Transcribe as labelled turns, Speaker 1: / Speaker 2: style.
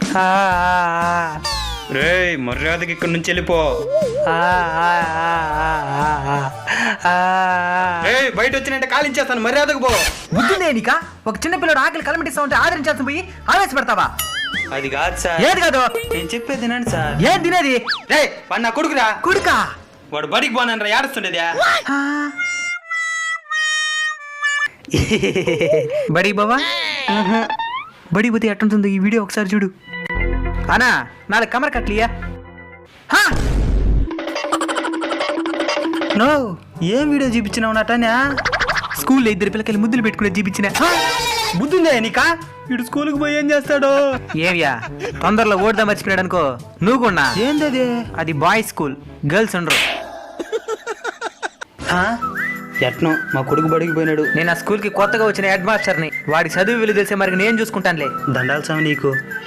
Speaker 1: రేయ్ మర్యాదకి ఇక్కడి నుంచి వెళ్ళిపో. బయట వచ్చినంటే కాలించేస్తాను, మర్యాదకు పో.
Speaker 2: బుద్ధిందే నీకా? ఒక చిన్న పిల్లడు ఆకలి కలమటిస్తా ఉంటే ఆదరించాల్సి పోయి ఆవేశపెడతావా?
Speaker 1: అది కాదు సార్.
Speaker 2: ఏది కాదు?
Speaker 1: నేను చెప్పేది తినండి సార్.
Speaker 2: ఏం తినేది?
Speaker 1: రే వాడు నా కొడుకురా.
Speaker 2: కొడుకా?
Speaker 1: వాడు బడికి పోనరా ఏడుస్తుండేదా?
Speaker 2: బడి బావా బడి పోతే ఎట్టుంటుందో ఈ వీడియో ఒకసారి చూడు. అనా 4 కమర్ కట్లియా? నో, ఏం వీడియో చూపించినావు నాటనా? స్కూల్లో 2 పిల్లకాయలు ముద్దులు పెట్టుకునే చూపించిన.
Speaker 1: బుద్ధిందే నీకా? వీడు స్కూల్కి పోయి ఏం చేస్తాడు?
Speaker 2: ఏవ్యా తొందరలో ఓడదా మర్చిపోయాడు అనుకో నువ్వు కూడా.
Speaker 1: ఏంటది?
Speaker 2: అది బాయ్స్ స్కూల్, గర్ల్స్ ఉండరు.
Speaker 1: ఎట్నో మా కొడుకు బడికి పోయినాడు.
Speaker 2: నేను ఆ స్కూల్ కి కొత్తగా వచ్చిన హెడ్ మాస్టర్ని. వాడి చదువు విలువ తెలిసే మరి నేను చూసుకుంటానులే.
Speaker 1: దండాల్సామి నీకు.